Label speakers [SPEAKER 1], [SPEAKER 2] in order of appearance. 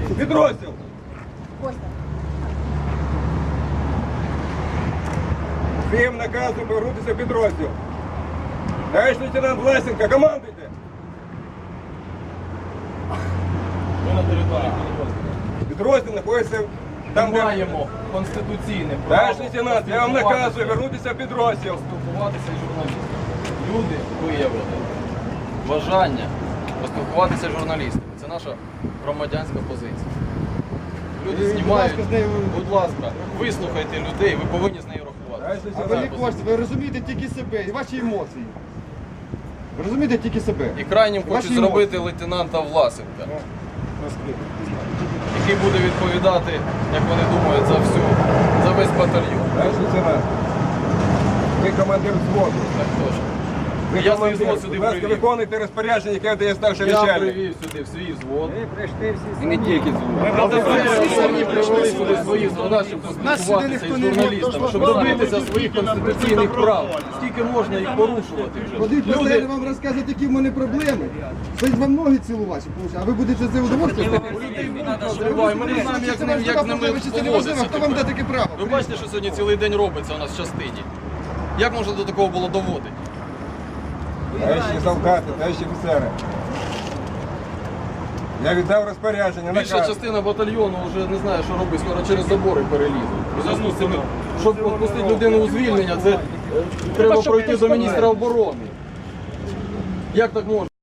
[SPEAKER 1] Підрозділ.
[SPEAKER 2] Костя.
[SPEAKER 1] Всім наказом повернутися в підрозділ. Товариш лейтенант Власенко, командуйте.
[SPEAKER 3] Ми на території підрозділу.
[SPEAKER 1] Підрозділ знаходиться там,
[SPEAKER 3] Ми
[SPEAKER 1] де...
[SPEAKER 3] маємо конституційне право.
[SPEAKER 1] Товариш лейтенант, я вам наказую вернутися в підрозділ.
[SPEAKER 3] Поспілкуватися з журналістами. Люди виявили бажання поспілкуватися з журналістами. Це наша громадянська позиція. Люди знімають, будь ласка, вислухайте людей, ви повинні з нею рахувати.
[SPEAKER 1] Товариш
[SPEAKER 4] А ви не
[SPEAKER 1] лейтенант,
[SPEAKER 4] хочете, ви розумієте тільки себе і ваші емоції. Ви розумієте тільки себе.
[SPEAKER 3] І крайнім
[SPEAKER 4] Ваші
[SPEAKER 3] хочуть зробити лейтенанта Власенка, який буде відповідати, як вони думають, за весь батальйон.
[SPEAKER 1] товариш лейтенант, ви командир взводу.
[SPEAKER 3] Так точно.
[SPEAKER 1] Ви
[SPEAKER 3] Я свій
[SPEAKER 1] командир.
[SPEAKER 3] взвод сюди
[SPEAKER 1] Будь ласка,
[SPEAKER 3] привів.
[SPEAKER 1] виконуйте розпорядження, яке дає старший
[SPEAKER 3] Я
[SPEAKER 1] начальник.
[SPEAKER 3] привів сюди в свій взвод.
[SPEAKER 1] І не тільки взвод.
[SPEAKER 3] Ви самі привели сюди своїх солдат, щоб поспілкуватися із журналістами, щоб добитися своїх конституційних прав. Скільки можна їх порушувати вже?
[SPEAKER 4] Ходить
[SPEAKER 3] Люди,
[SPEAKER 4] постійно вам розказувати, які в мене проблеми. Стоїть вам ноги цілувати, а ви будете це удовольствие?
[SPEAKER 3] назривають, ми не знаємо, як з ними поводитися.
[SPEAKER 4] Хто вам дає таке право?
[SPEAKER 3] Ви бачите, що сьогодні цілий день робиться у нас в частині. Як можна до такого було доводити?
[SPEAKER 1] Товариші солдати, товариші офіцери. Я віддав розпорядження,
[SPEAKER 3] Більша
[SPEAKER 1] наказ.
[SPEAKER 3] частина батальйону вже не знає, що робить, скоро через забори перелізуть. У зв'язку з цим, щоб відпустити людину у звільнення, це треба пройти до міністра оборони. Як так можна?